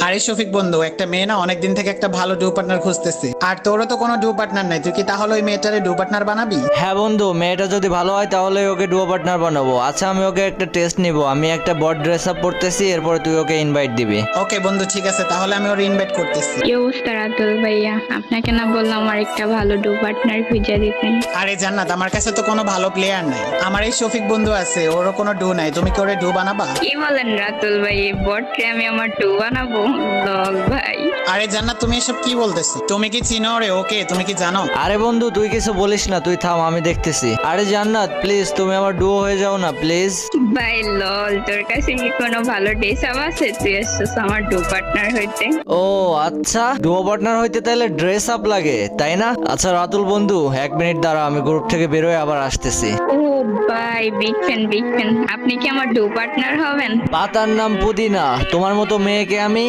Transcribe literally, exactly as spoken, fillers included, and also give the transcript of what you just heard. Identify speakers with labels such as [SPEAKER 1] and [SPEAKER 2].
[SPEAKER 1] আরে শফিক বন্ধু, একটা মেয়ে না অনেকদিন থেকে একটা ভালো ডু পার্টনার খুঁজতেছে, আর তোরও তো কোনো ডু পার্টনার নাই, তুই কি তাহলে ওই মেয়েটারে ডু পার্টনার বানাবি?
[SPEAKER 2] হ্যাঁ বন্ধু, মেয়েটা যদি ভালো হয় তাহলে ওকে ডুও পার্টনার বানাবো। আচ্ছা, আমি ওকে একটা টেস্ট নিব। আমি একটা বড ড্রেস আপ পরতেছি, এরপরে তুই ওকে ইনভাইট দিবি।
[SPEAKER 1] ওকে বন্ধু, ঠিক আছে, তাহলে আমি ওর ইনভাইট করতেছি।
[SPEAKER 3] কি অবস্থা রাতুল ভাইয়া? আপনাকে না বললাম আমার একটা ভালো ডু পার্টনার খুঁজে দিতেন?
[SPEAKER 1] আরে জান্নাত, আমার কাছে তো কোনো ভালো প্লেয়ার নাই, আমার এই শফিক বন্ধু আছে, ওরও কোনো ডু নাই, তুমি কি ওরে ডু বানাবা?
[SPEAKER 3] কি বলেন রাতুল ভাই, এই বটকে আমি আমার ডু বানাবো? লল ভাই।
[SPEAKER 1] আরে জান্নাত, তুমি এসব কি বলতেছো? তুমি কি চিনো ওরে? ওকে তুমি কি জানো?
[SPEAKER 2] আরে বন্ধু, তুই কিছু বলিস না, তুই থাম, আমি দেখতেছি। আরে জান্নাত, প্লিজ তুমি আমার ডুও হয়ে যাও না প্লিজ।
[SPEAKER 3] ভাই লল, তোর কাছে কি কোনো ভালো ড্রেস আপ আছে? তুই এসছিস আমার ডু পার্টনার হইতে?
[SPEAKER 2] ও আচ্ছা, ডুও পার্টনার হইতে তাহলে ড্রেস আপ লাগে, তাই না? আচ্ছা রাতুল বন্ধু, এক মিনিট দাঁড়া, আমি গ্রুপ থেকে বেরোয় আবার আসতেছি।
[SPEAKER 3] ও ভাই, বিগ ফ্যান বিগ ফ্যান। আপনি কি আমার ডু পার্টনার হবেন?
[SPEAKER 2] পাতার নাম পুদিনা, তোমার মতো মেয়েকে আমি